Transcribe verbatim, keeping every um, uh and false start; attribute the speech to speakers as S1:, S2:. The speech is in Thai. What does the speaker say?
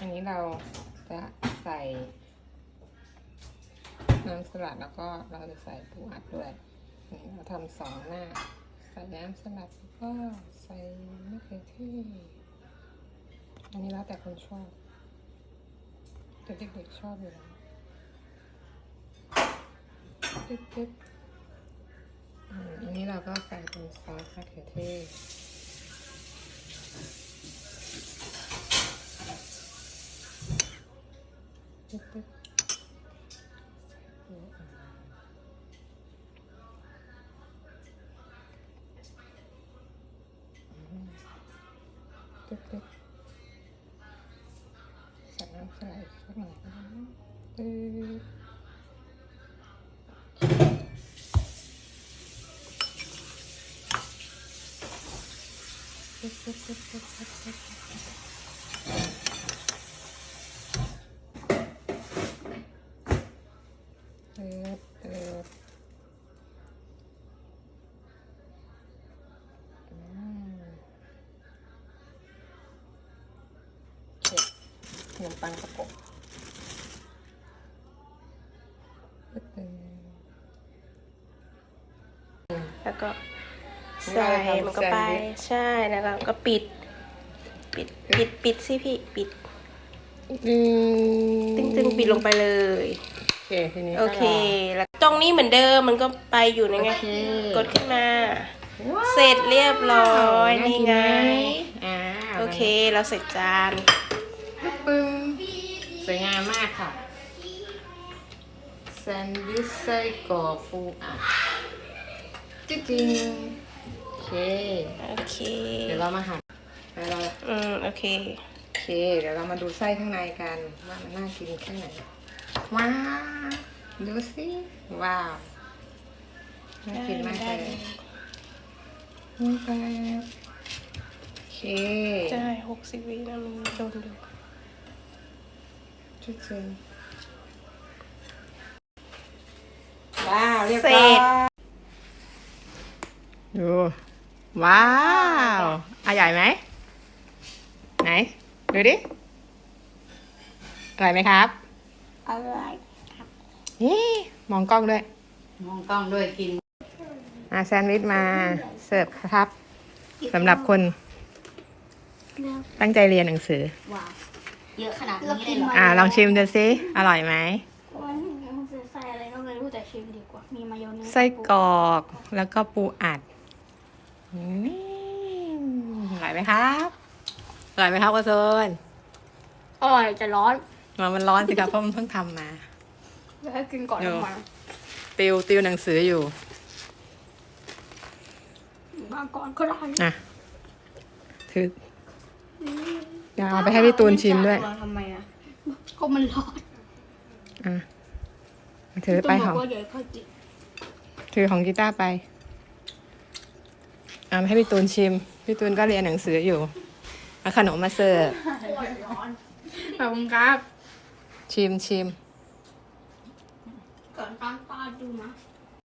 S1: อันนี้เราจะใส่น้ำสลัดแล้วก็เราจะใส่ปูอัดด้วยเราทำสองหน้าใส่น้ำสลัดแล้วก็ใส่มะเขือเทศอันนี้แล้วแต่คนชอบแต่เด็กๆชอบอยู่แล้วตึ๊บๆอันนี้เราก็ใส่เป็นซอสมะเขือเทศตึ๊บๆตึ๊บๆใส่น้ำสลัดสักหน่อยนะตึ๊บตึ๊บตึ๊บตึ๊บตึ๊บตึ๊บตึ๊บขนมปังประกบ
S2: แล้วก็ใส่มันก็ไปใช่แล้วเราก็ปิดปิดปิดปิดสิพี่ปิดตึงตึงปิดลงไปเลย
S1: โอเคทีนี้
S2: โอเคแล้วตรงนี้เหมือนเดิมมันก็ไปอยู่ในไงกดขึ้นมาเสร็จเรียบร้อยนี่ไงโอเคเราเสร็จจาน
S1: ปึ้งสวยงามมากค่ะแซนด์วิชไส้กรอกปูอัดจริงๆโอเค
S2: โอเค
S1: เดี๋ยวเรามาหั่นเรา
S2: อืมโอเค
S1: โอเคเดี๋ยวเรามาดูไส้ข้างในกันว่ามันน่ากินแค่ไหนว้าวดูสิว้าวน่ากินมากเลยนี่ไปโอเค
S2: ใช่หกสิบวินะมันโดนดู
S1: จุดเจนว้าวเรียบร้อยดูว้าวอร่อยไหมไหนดูดิอร่อยไหมครับ
S2: อร่อยครับ
S1: นี่มองกล้องด้วย
S3: มองกล้องด้วยกิน
S1: อ่ะแซนด์วิชมาเสิร์ฟครับสำหรับคนตั้งใจเรียนหนังสือ
S3: ว้าวเยอะขนาดนี้เลยเหรอ
S1: อ่าลองชิมดูสิอร่อยไหม
S3: ใส่อะไรก็ไม่รู้แต่ชิมดีกว่ามีมายองเนส
S1: ไส้กรอกแล้วก็ปูอัดอร่อยไหมครับอร่อยไหมครับกระโซน
S3: อร่อยจะร้อน
S1: มันมันร้อนสิครับเพราะมันเพิ่งทำมา
S3: แล้วกินก่อนมา
S1: ติวติวหนังสืออยู่
S3: มาก่อนก็ได้
S1: อ่ะถือเดี๋ยวเอาไปให้พี่ตูนชิมด้วย
S3: ทำไมอ่ะก็มันร้อน
S1: อ่ะถือไปของถือของกีตาร์ไปอ่ะให้พี่ตูนชิมพี่ตูนก็เรียนหนังสืออยู่เอาขนมมาเสิร์ฟ
S3: ขอบคุณครับ
S1: ชิมชิม
S3: ก่อนตั้งตาดูนะ